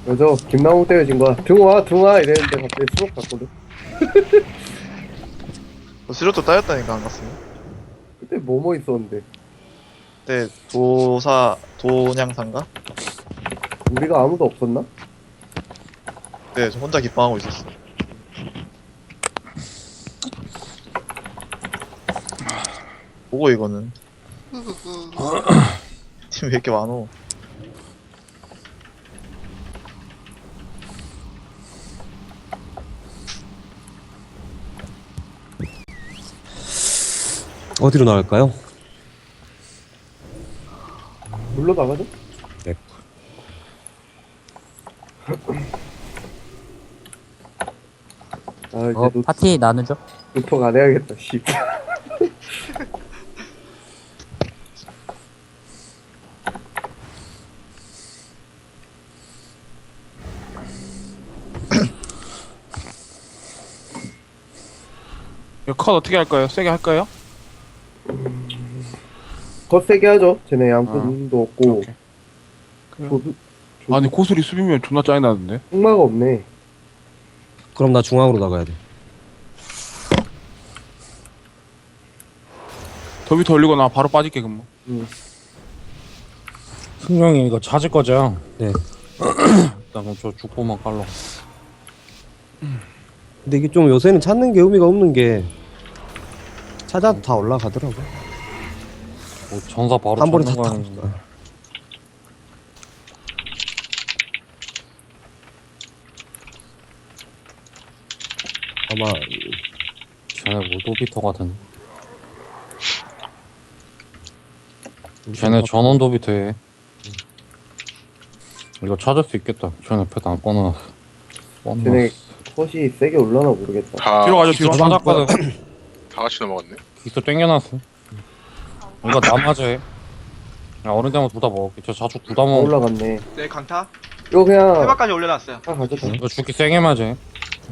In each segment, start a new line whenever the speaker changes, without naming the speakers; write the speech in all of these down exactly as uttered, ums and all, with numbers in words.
그래서 김나무 때려진 거야. 들어와 들어와 이랬는데 갑자기 수업 갔거든.
수료도 따였다니까 안 갔으면.
그때 뭐뭐 있었는데
그때 도사 도냥산가?
우리가 아무도 없었나?
네, 저 혼자 기뻐하고 있었어. 보고 이거는 팀 왜 이렇게 많어?
어디로 나갈까요?
물로 나가죠?
네.
아 이제
어,
노,
파티 나누죠?
노통 안 해야겠다. 씨.
이거 컷 어떻게 할까요? 세게 할까요?
더 세게 하죠. 쟤네 양푼도 없고
오케이.
조수
아니 고수리 수비면 존나 짜증나는데.
흑마가 없네.
그럼 나 중앙으로 나가야 돼.
더 밑에 올리고 나 바로 빠질게 그럼.
응.
승용이 이거 찾을 거죠?
네.
일단 그럼 저 죽보만 깔러.
근데 이게 좀 요새는 찾는 게 의미가 없는 게 찾아도 다 올라가더라고.
뭐 전사 바로
한 번에 다
찾는 거
타고.
아닌가?
아마
쟤네 모도비터 같은. 쟤네 전원 도비터 해. 이거 찾을 수 있겠다. 쟤네 패드 안 꺼놔놨어.
쟤네 컷이 세게 올라나 모르겠다.
다,
뒤로 가죠
기수
뒤로.
찾았거든.
다 같이 넘어갔네.
기수 땡겨놨어. 이거 남아져 해. 야 어른 되면 둘 다 먹을게. 저 자주 둘 다
다
먹어.
올라갔네.
네, 강타.
이거 그냥
해바까지 올려놨어요.
다 가져가.
이거 죽기 세게 맞아. 할래.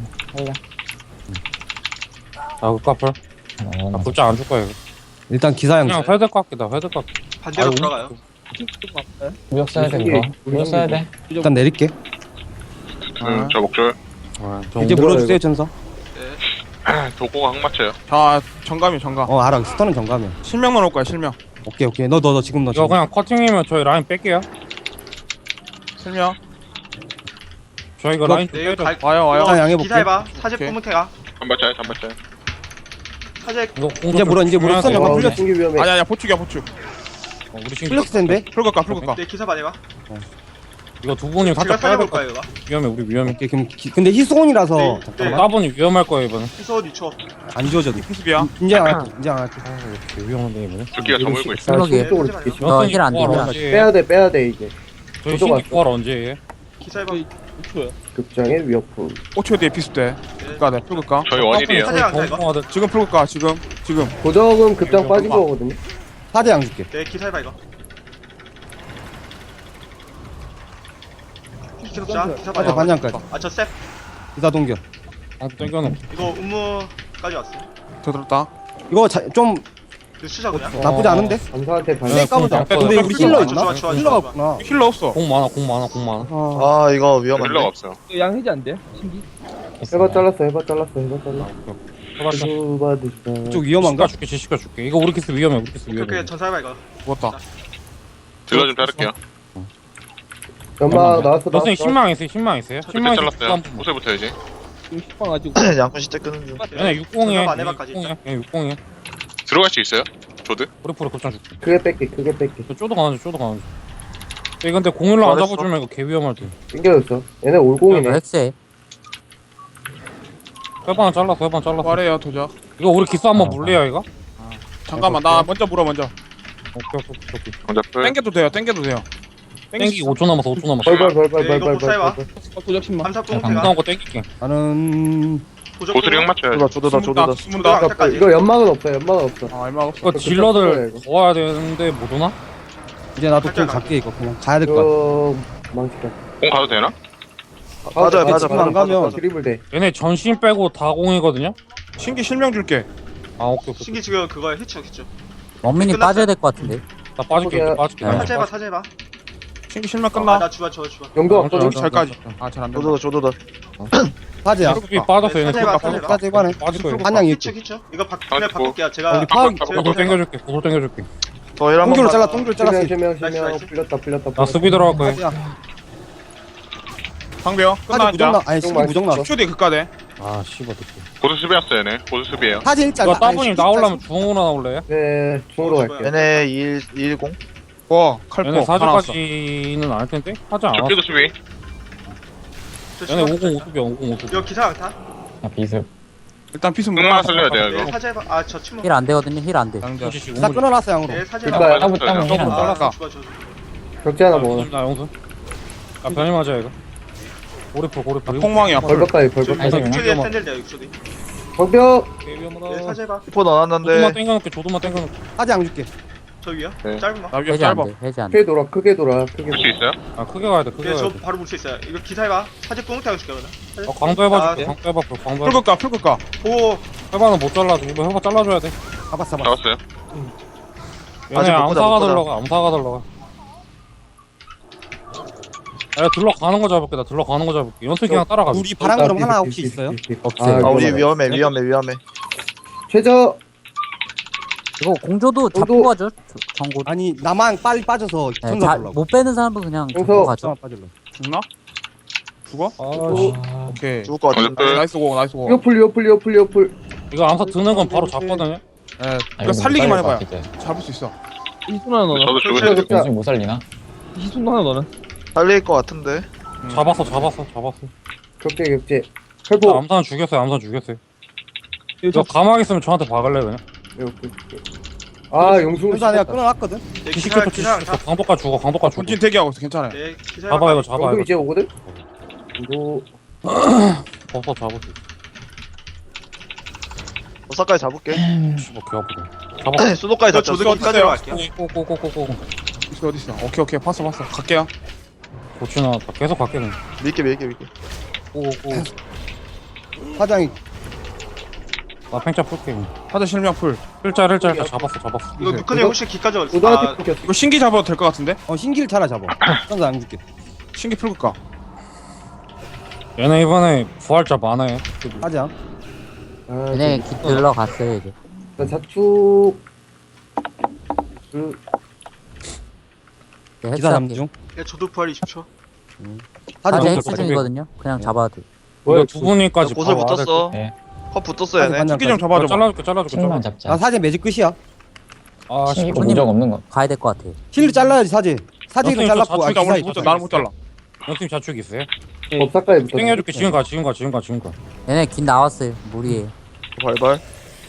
아, 그 카풀. 아, 불장 안 줄 거야, 이거.
일단 기사양
그냥 회드 깎기다, 회드 깎기.
반대로
아이고.
돌아가요.
무력 써야 돼, 이거. 무력 써야 돼.
일단 내릴게.
응, 저 목줄.
아, 저
이제
물어,
물어주세요
이거.
전사.
도구가 항 맞춰요.
자 정감이 정감.
어 알아. 스턴은 정감이야.
실명 넣을 거야 실명.
오케이 오케이. 너 너 너 지금 너
이거
지금.
그냥 커팅이면 저희 라인 뺄게요.
실명.
저희 이거
이거-
라인 좀
네, 이거
빼줘.
갈.
와요 와요.
자, 양해볼게.
기사 해봐. 사제
오케이.
뿌문태가.
단발짜리 단발짜리.
사제
이거
이제 물어, 이제 물어.
중요하세요.
잠깐
와
풀려.
우리 신기 위험해.
아니 아니야 보축이야 보축.
어, 우리 지금
플렉스인데?
풀각가 풀각가.
네, 기사 반해봐.
이거 두 분이
제가
살짝 빼야 될
살려볼
것
거예요,
같아.
이거.
위험해, 우리 위험해.
오케이 그럼 기, 근데 희소원이라서
네,
잠깐만.
네.
따분이 위험할 거예요, 이번엔.
희소 유초.
안 지워져도.
피스비야.
인정 안 할게. 인정 안 할게.
아, 왜 이렇게 위험한데, 이번에?
조끼가 저 물고 있어.
슬럭이.
아, 쪽으로 줄게.
어, 힐안 돼, 힐 안 돼.
빼야 돼 빼야 돼 이제.
저희
저도
신기 구할 언제 해?
기사 해봐.
극장의 위협품.
오 초 뒤에 피스 때. 그니까 네 풀각가.
저희 원일이에요.
사제 강타 이거.
지금 풀각가 지금 지금.
고정은 급장
이거
빠진
봐봐.
거거든요.
사대양 줄게.
네, 기사 해봐 이거. 기사 기사
맞아
반해.
반장까지.
아, 저 셉.
기사 동결.
아, 땡겨놓고.
이거 음무까지 왔어.
더 들었다.
이거 자, 좀
이거 수자 그냥.
나쁘지 않은데?
감사한테 반.
네,
까보자.
공
근데 우리 힐러
좋아,
있나?
좋아, 좋아,
힐러가
좋아.
없구나.
힐러 없어.
공 많아, 공 많아, 공 많아.
아,
아 이거
힐러가
위험한데.
없어요.
양해지 안 돼? 신기?
해봐 잘랐어 해봐 잘랐어 해봐 잘랐어.
해봤자.
수 받으시다.
좀 위험한가?
줄게, 지시가 줄게. 이거 우리 키스 위험해, 우리 키스 위험해.
그렇게 전사 해봐 이거.
죽었다.
딜러 좀 자를게요.
연막 나왔어
너선이
나왔어.
신망 있어요, 신망 있어요?
그때
신망
잘랐어요. 옷에 붙어야지.
지금 식빵 아직
양푼 시대 끄는 중.
얘네 육공이야.
전사 반해봐까지.
육공이야. 얘 육공이야.
들어갈 수 있어요? 조드?
프리프리 급장 줄게.
크게 뺄게 크게 뺄게.
저 쪼도 가는 중, 쪼도 가는 중. 얘 근데 공일로 안
잘했어.
잡아주면 이거 개 위험할 듯.
땡겨졌어. 얘네 올공이네.
엑스에.
회반 잘랐어, 회반 잘랐어.
말해요 도적.
이거 우리 기수 한번 물래요, 이거?
잠깐만 나 먼저 물어 먼저.
오케이, 오케이, 오케이, 오케이.
정답들.
땡겨도 돼요 땡겨도 돼요.
땡기기 오 초 남았어, 오 초 남았어.
벌벌
네,
벌벌
이거
벌벌
복사해봐.
벌벌.
도적 신망.
감사
감
뿌문태가.
나온 거 땡길게.
나는
고수리 항 맞춰야지.
조다 조다
숨는다
조다.
숨는다.
강타까지.
이거 연막은 없어 연막은 없어.
아 얼마 없어.
이거
그
딜러들
이거.
더 와야 되는데 못 오나?
이제 나도 좀
살짝
갈게 이거 그냥 가야 될 것 같아.
이거 망치다.
공 가도 되나?
맞아
근데
맞아
지금
맞아
안 가면
맞아.
드리블 돼.
얘네 전신 빼고 다 공이거든요?
신기 실명 줄게.
아, 오케이, 오케이.
신기 지금 그거 해쳐 해쳐.
원민이
끝났어요?
빠져야 될 것 같은데.
나 빠질게,
포기야.
빠질게.
네.
사제 해봐 사제 해봐.
신기 실명
아,
끝나.
나 주바 주바 주바.
영도 왔거든.
잘까지. 아, 잘 안 된다.
조도다 조도다.
사제야.
수비 빠졌어 얘네.
사제 봐,
수비
사제 봐.
사제 이번에.
빠질 거예요.
한양
키쳐
있지.
키쳐. 이거 바,
아,
그냥
뭐.
바꿀게요. 제가
우리 파악
고소 땡겨줄게. 고소 땡겨줄게.
저 일 한번
똥줄
봐.
잘라 똥줄 잘랐어.
실명 실명
나이스,
실명
나이스.
풀렸다 풀렸다.
나 수비 들어갈 거야.
사제야.
상대요.
사제
끝나
무정 나
이제.
아니 신기 무정 나왔어.
십 초 뒤에 극가돼.
아 씨발 듣고.
고수 수비였어 얘네. 고수 수비예요.
사제 일자.
이거 따분이 나오려면 중으로 나올래?
네 중으로 갈게요.
얘네 일 이일공.
와, 칼포.
얘네
하나 왔어.
사제까지는 안 할 텐데? 하지 않아.
적기도 수비.
얘네 오공 오수비야 오공 오수비.
이거 기사 타.
아, 비습.
일단 피스
흑마 살려야 돼요
네,
이거.
사제 봐. 아저 침묵.
힐 안 되거든요. 힐 안 돼.
양자.
나 끊어놨어 양으로.
네 사제
일단
봐.
따부 따부 힐안 돼.
아
잘랐다.
주바 주바.
격제 하나 먹어.
나 영수. 아 변이 맞아 이거. 고리풀 고리풀.
폭망이야.
벌벽까지 벌벽.
아니,
육 초 뒤에
위험하-
샌들 돼요 육 초 뒤.
벌벽.
네 사제 봐.
히포
조도만
넣어놨는데
땡겨놓게 조도만 땡겨놓게.
사제 양 줄게.
저 위요.
네.
짧은 거.
나 위에
해제 안
짧아.
돼. 해제 안 돼.
크게 돌아 크게 돌아 크게
볼 수
돌아.
있어요?
아 크게 가야 돼 크게
네,
가야
저
돼.
바로 볼 수 있어요. 이거 기사 해봐. 사제 꽁트 하고 싶거든.
어 광도 해봐
아,
줄게.
네.
광도 해봐 광도 해봐.
풀극가, 풀극가.
오.
해봐는 못 잘라줘. 이거 해봐 잘라줘야 돼.
잡았어 잡았어.
잡았어요.
얘네
아직 못 보자,
암사가
못 보자.
들러가 암사가 들러가. 야 들러가는 거 잡을게. 나 들러가는 거 잡을게. 연습 그냥 따라가.
우리 바람 그럼 하나 혹시 있어요?
없어요.
아 우리
위험하다.
위험해 위험해 위험해.
최저
이거 공조도 잡고
저도-
가죠. 저- 정고.
아니 나만 빨리 빠져서
네,
전사
자,
보려고.
못 빼는 사람은 그냥
용서.
잡고 가죠.
나만 빠질러.
죽나? 죽어?
아씨.
오케이.
죽을 것 같은데.
어쨌든
나이스 고, 나이스 고.
리오플 리오플 리오플 리오플.
이거 암사 드는 건 바로 잡거든요.
예,
아,
그러니까
이거
살리기만
못
해봐요.
살릴 것 같아,
잡을 수 있어.
저도 죽을
최저
수
격자.
이제. 못 살리나?
살릴 것 같은데.
음.
잡았어 잡았어 잡았어.
격제 격제.
자,
칼포.
암사는 죽였어요 암사 죽였어요. 저 가만히 있으면 저한테 박을래 그냥.
이렇게. 아 용수.
전사 내가 끊어놨거든.
네, 기사
기시켰어
기사
기시켰어.
타.
광도까지 죽어 광도까지 죽어.
본진 대기하고 있어. 괜찮아요.
네 기사
잡아 이거 잡아
용수
이거.
이제 오거든. 이거
벗어 잡을 수 있어.
오사까지 잡을게.
씨발 개 아프다. 잡아.
수도까지
저
잡자.
조드 기까지 갈게요.
꼬꼬꼬꼬꼬.
있어, 어디 있어? 오케이, 오케이. 봤어, 봤어. 갈게요.
고치 나왔다. 계속 갈게 그냥.
밀게 밀게 밀게.
꼬꼬.
사장이
나 팽차 풀게. 그냥.
하드 실명 풀.
일자 일자 일자 잡았어 잡았어.
이거 누크님 혹시 기까지 어디 있어?
고등학교
아,
끊겼어.
이거 신기 잡아도 될 것 같은데?
어 신기를 차라 잡아. 전사 양 줄게.
신기 풀극가.
얘네 이번에 부활자 많아요.
사제 양.
아,
얘네
저-
기 들러갔어요 이제.
나 자축. 그
네,
기사
헬스할게.
잠중.
네, 저도 부활 이십 초.
사제
사제
양.
헬스 중이거든요. 그냥 잡아도 돼.
뭐야?
이거 두 분이까지
곳을
바로 와야 될
붙었어.
네.
컵 붙었어
사제
얘네.
반장.
신기 좀
거.
잡아줘.
잘라줄게 잘라줄게.
칭만
잘라.
잡자.
나 사제 매직 끝이야.
아 씨.
신기고 무적 없는 거.
가야 될 것 같아.
힐을 잘라야지 사제. 사제 힐을
선생님, 저
잘랐고 아
자축이다,
기사
나는
있다.
못 잘라. 나는 못 잘라.
연팀 자축 있어요?
법사까지 붙었어.
땡겨줄게. 지금 가 지금 가 지금 가 지금 가.
얘네 긴 나왔어요. 무리에.
발발.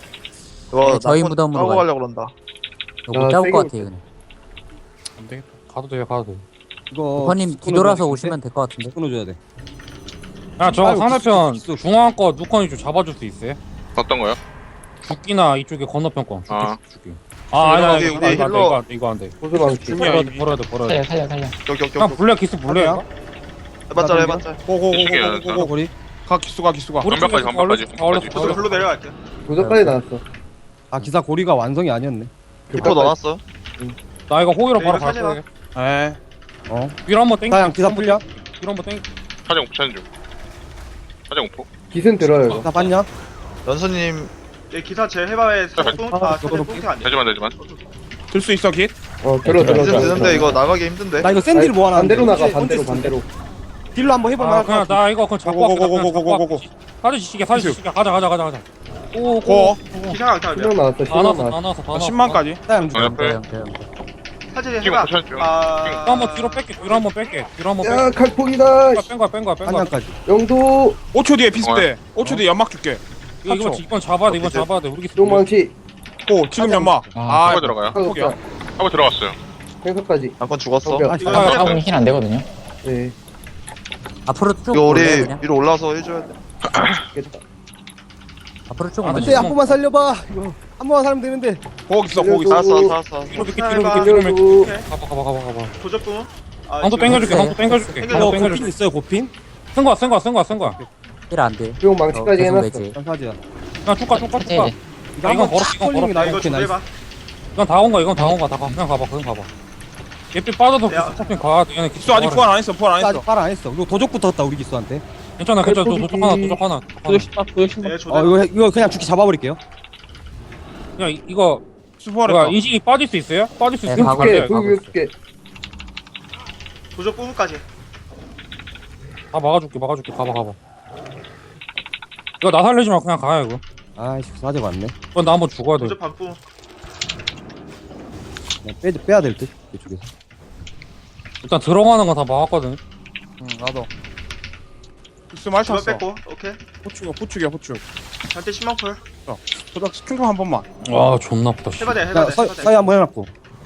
이거
네, 저희
낙원
무덤으로
따고
가요.
가려고 그런다.
이거
아,
못 잡을
세게
것 같아 그냥.
안 되겠다.
가도 돼요 가도 돼.
이거
오퍼님 뒤돌아서 오시면 될 것 같은데.
끊어줘야 돼.
야 저거
아이고,
상대편
있어, 있어.
중앙 거 누컨이 좀 잡아줄 수 있어요?
어떤 거요?
죽기나 이쪽에 건너편 거. 죽기
아.
죽기. 아 아니 아니
우리
이거 안 돼, 이거 안 돼,
힐러.
이거 안 돼, 이거 안 돼.
고수방치.
중요해.
버려야 돼 버려야 돼 버려야 돼.
살려 살려 살려.
격격
그냥
격.
블랙 기스 블랙.
해봤자 해봤자.
고고고고고고.
우리
가, 기수가, 기수가.
완벽하지, 완벽하지, 완벽하지.
저도 글로 내려갈게요.
고수까지 나왔어.
아 기사 고리가 완성이 아니었네.
히포 넣어놨어.
나 이거 호위로
네,
바로
이거
갈
사진아.
거야.
에.
어.
위로 한번 땡겨.
사장 기사 풀려.
위로 한번 땡겨.
사정 붙여는 중. 사정 오포.
기승 들어요 이거.
나 봤냐?
연수님
네 기사 제 해봐에 사제 꽁 아, 사제 꽁트 안 돼.
되지만 되지만.
들 수 있어, 깃?
어 들어 들어.
기승
들어.
드는데 이거 나가기 힘든데.
나 이거 샌디를 모아놨는데.
반대로 나가
언제-
반대로
언제
반대로.
딜로 한번 해볼만
아
할것
그냥
같아.
나 이거 그냥 잡고 갈게. 나 그냥 잡고
고고고고고고고고.
갈게. 사진 시계 사진 시계 가자 가자 가자 가자. 오
고.
기사가 안 타면
신명 나왔어
다
신명
나왔어
나왔어.
다 나왔어 다
나
나왔어.
십만까지.
사장 줄.
어, 옆에.
대형 대형.
사제
지금
해봐.
붙여는 중.
아.
또 한번 뒤로 뺄게. 뒤로 한번 뺄게. 뒤로 한번
야
뺄게.
칼폭이다.
뺀 거야 뺀 거야 뺀 거야.
한양까지.
영도
오 초 뒤에 비슷해. 오 초 뒤에 연막 줄게.
이거 이거 이번 잡아야 돼 이번 잡아야 돼. 우리 기스.
용망치.
고, 지금 연막.
아,
아,
하고 들어가요.
포기야.
하고 들어갔어요.
행사까지.
한건 죽었어.
어,
아
이거
사장.
따봉이 힐 안 되거든요.
네.
앞으로 쭉
이거 우리
올래 그냥.
위로 올라서 해줘야 돼.
겠다.
앞으로 쭉
아,
올래.
안돼 한 번만 살려봐. 이거 한 번만 살면 되는데.
고 있어, 고 있어.
살았어 살았어.
뒤로 밑에
기사
뒤로
해봐.
밑에 뒤로 밑에.
살려줘.
가봐 가봐 가봐 가봐.
도적분. 아,
방도
지금
땡겨줄게
있어요.
방도 땡겨줄게
땡겨.
방도
이거 고핀
땡겨줄게.
있어요 고핀?
쓴 거야 쓴 거야 쓴 거야 쓴 거야.
힐안 돼.
용망치까지
어, 계속
해놨어.
내지.
전사지야.
그냥 쭉가 쭉가
이제
쭉가.
이제.
이거
아, 이건
한번
걸어,
탁
이건
걸리는 게
걸어.
나
이거
이거
좀
나이스.
해봐.
이건 다 온 거야 이건 다 온 거야 다 가. 그냥 가봐 그냥 가봐. 예삐 빠져서
야.
스토핑 가. 얘네
기수 아직 부활 안 했어. 부활 안
아직
했어.
팔 안 했어. 이거 도적 붙었다 우리 기수한테.
괜찮아 괜찮아. 도- 도적 하나 도적 하나.
도적 신박 도적 신박.
네,
어
조대.
이거 이거 그냥 죽기 잡아버릴게요.
그냥 이- 이거
기수
뭐야
부활했다.
인식이 빠질 수 있어요? 빠질 수
네,
있으면
가고
안
개,
돼.
가고
불 개.
도적 뿜까지.
다 막아줄게 막아줄게. 가봐 가봐. 이거 나 살리지 마 그냥 가요 이거.
아이씨 사제 왔네.
이건 나 한번 죽어야 돼.
도적 반뿜.
그냥 빼 빼야 될 듯. 이쪽에서.
일단 들어가는 거 다 막았거든.
응 나도. 기수 말
주변
탔어.
뺐고. 오케이.
호축이야 호축이야 호축.
한테 십만 풀.
도적 스킨크 한 번만.
와 존나 아프다. 씨.
해봐대
자
해봐대.
서,
해봐대.
서희 한번 해놨고.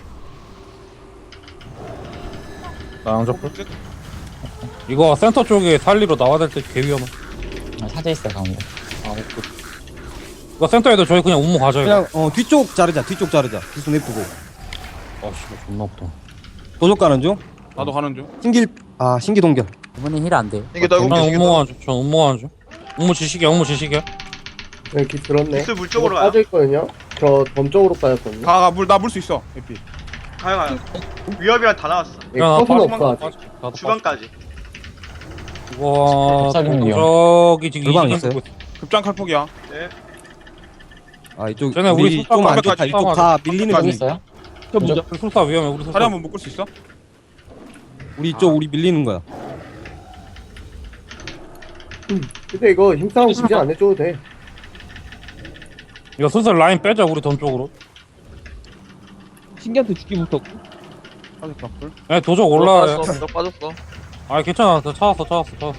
나 양접. 이거 센터 쪽에 살리로 나와야 될 때 개 위험해.
아, 사제 있어요 가운데.
아 오케이. 이거 센터 애들 저희 그냥 운무 가져야 돼.
그냥 어 뒤쪽 자르자. 뒤쪽 자르자. 기수 내쁘고.
아씨 존나 아프다.
도적 가는 중.
나도 가는 중.
신길 아 신기 동결.
이번엔 힐 안 돼.
이게 나
난
이거
운무 가는 중. 전 운무 가는 중. 운무 지식이야 운무 지식이야.
여기 들었네.
기수 물 쪽으로
이거
가요.
빠져있거든요. 저 덤쪽으로 빠졌거든요.
가가 물 나 물 수 있어. 에피.
가요 가요. 위협이랑 다 나왔어.
예, 컷은 없어 아직.
나도
주방까지.
이거
쌀국이요.
저기 지금
물방
이지경
있어요?
보고 있어.
급장 칼폭이야.
네.
아 이쪽
쟤네 우리
우리
술방
좀 안
가까이
좋다. 이쪽
가까이
다 밀리는
여기
중.
있어요?
우리 술사 위험해 우리 술사.
다리 한번 묶을 수 있어?
우리 이쪽 우리 밀리는 거야.
근데 이거 힘싸움 굳이 안 해줘도 돼.
이거 슬슬 라인 빼자 우리 던 쪽으로.
신기한테 죽기부터.
사제 깜풀.
예 도적 올라와요.
빠졌어. 너 빠졌어.
아 괜찮아. 저 찾았어 찾았어 찾았어.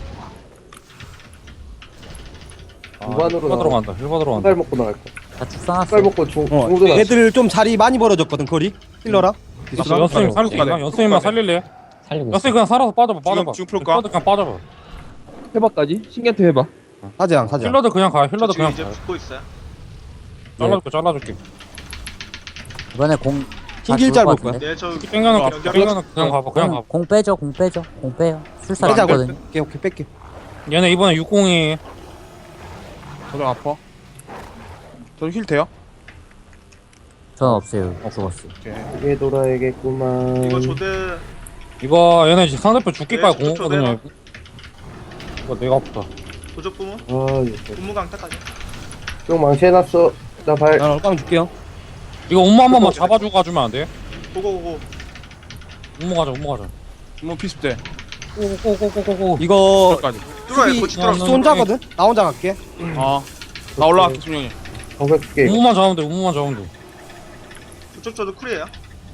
아,
무반으로
힐
나와.
받으러 간다. 힐 받으러 간다.
한발 먹고 나갈 거야.
다 죽상났어.
한발 먹고 중,
어
중도 나.
애들 좀 자리 많이 벌어졌거든 거리. 힐러라.
연수 연수님 살릴 수 있나? 연수님만 살릴래?
살리고 있어.
연수님 그냥 살아서 빠져봐 빠져봐.
지금 풀까?
빠져, 그냥 빠져봐.
해봐까지? 신기한테 해봐.
사제양 사제양.
힐러들 그냥 가. 힐러들
지금
그냥
이제
가.
붙고 있어요.
잘라줄게 잘라줄게.
이번에 공. 다
신길
죽을
짤
것
볼 거야.
같은데?
네, 저
땡겨놓고
연결-
땡겨놓고 그냥 가봐 그냥
공,
가봐.
공 빼죠 공 빼죠 공 빼요. 술사
빼자.
있거든.
오케이 오케이 뺄게.
얘네 이번에 육공이
도적 아파. 도적 힐 돼요?
전 없어요. 죽었어.
오케이.
이게 돌아야겠구만.
이거 조대.
이거 얘네 지금 상대편 죽기까지
네,
공거든요. 이거 내가 아프다.
도적 뿜은.
아, 이거
분무 강타까지.
좀 망치해놨어. 나 발.
난 얼빵 줄게요.
이거 엄마 한 번만 잡아주고 가주면 안 돼?
고고고고.
엄마 가자 엄마 가자.
뭐 피스 때.
꼬꼬꼬꼬꼬꼬.
이거
까지.
뚫어요.
수비-
고치
어,
뚫었어.
너-
혼자거든. 나 혼자 갈게.
아. 나 올라갈게 준영이.
방금 줄게. 이거.
우무만 잡으면 돼 우무만 잡으면 돼.
저쪽 저도 쿨이에요.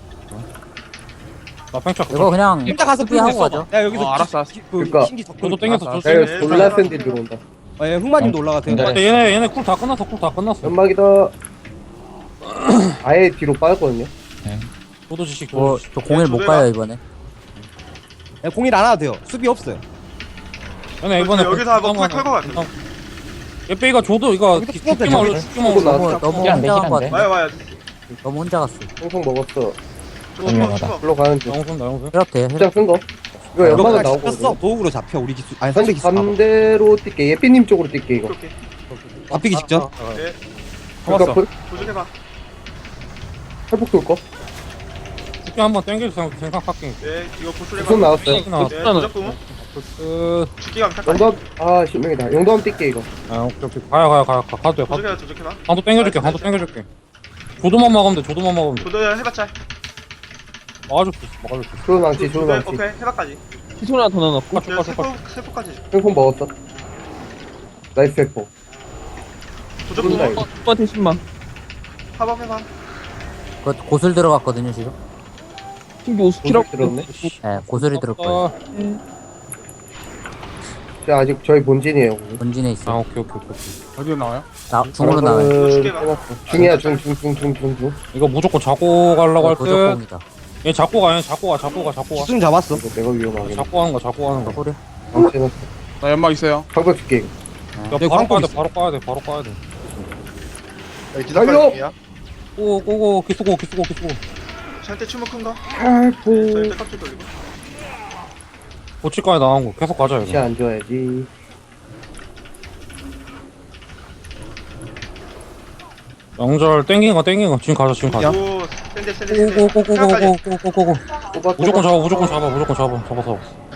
나 팽착.
이거 그냥
혼자 가서
수비하고
풀
가죠.
야 여기서
어, 알았어, 알았어.
기- 그
그러니까.
신기
저도
덕분.
땡겨서
알았어,
저
야,
네,
이거 졸라 센 딜 들어온다.
예, 흑마님도 올라가세요.
네.
근데 얘네 얘네 쿨 다 끝났어 쿨 다 끝났어.
연막이다. 아예 뒤로 빠졌거든요.
도도 지식
뭐,
도도 지식.
저 공일 못 가요 이번에.
예, 공일 안 해도 돼요. 수비 없어요.
얘네 이번에
여기서 한번 쿨 털고 갈게요.
얘빼이가 줘도 이거
여기도
기-
풀어도
죽기만
되죠.
올려 죽기만
풀고
올려.
나-
너무 너무
힐안 돼,
혼자
힐안
간거
돼.
같아.
와요 와요.
너무 혼자 갔어.
홍성 먹었어.
저거
유명하다.
저거.
불러 가는 중.
영순 나 영순.
힐업 돼요. 힐업.
입장 쓴 거. 이거
이거
연막은
그냥
나오거든.
잡혔어. 도ug으로 잡혀 우리 기수. 아니 상대
다시
기수. 봐봐.
반대로 뛸게. 예삐님 쪽으로 뛸게 이거.
오케이.
잡히기 직전.
네.
잡았어.
그러니까
도적해봐.
팔복 돌 거.
죽기 한번 땡길 생각 생각할게.
네. 이거 고술
손
해봐.
나왔어요.
땡기 나왔어.
네. 도적 뿜은.
끝.
죽기 강타까지.
영담 아 신명이다. 영담 뛸게 이거.
아 오케이 오케이. 가야 가야 가야 가. 가도 돼. 가도 돼.
도적해봐 도적해봐.
한도 땡겨줄게. 한도 땡겨줄게. 조도만 막으면 돼. 조도만 막으면 돼.
조대 해봤자.
막아줄게. 막아줄게.
좋은 망치 좋은
조대
망치.
오케이 해봐까지.
기술 하나 더 넣어놓고.
쭉
네.
가, 쭉 가.
세포 세포까지.
횡포 먹었어. 나이스 횡포.
도적
좋은다,
뿜은.
이거.
오빠한테 십만.
합업 해봐.
그 고술 들어갔거든요 지금.
신기 오스키라고.
들었네.
예, 고술이 들을 거예요.
아,
저 아직 저희 본진이에요.
본진에
아
있어.
오케이 오케이 오케이.
어디로 나와요?
나 중으로 나와요.
죽게 봐.
중이야 중 중 중 중 중 중.
이거 무조건 잡고 가려고 할 듯.
도적공이다.
얘 잡고 가. 얘 잡고 가. 잡고 가. 잡고 가.
기수는 잡았어.
이거 내가 위험하게.
잡고 가는 거. 잡고 가는 거.
소리.
망치는
나 연막 있어요.
방법 줄게 이거.
야,
여기
바로
광고
까야 돼.
있어.
바로 까야 돼. 바로 까야 돼.
달려!
기다려.
고 고고 기수고 기수고 기수고.
저한테 추모 큰 거.
팔포.
저한테 깍지 돌리고.
고치까지 나온 거 계속 가자
다시
이거.
안 줘야지.
영절 땡긴 거 땡긴 거 지금 가자 지금 가자.
오 센데 센데 센데.
고고고고고고고고고.
호박,
무조건
호박.
잡아 무조건 잡아 무조건 잡아 잡아서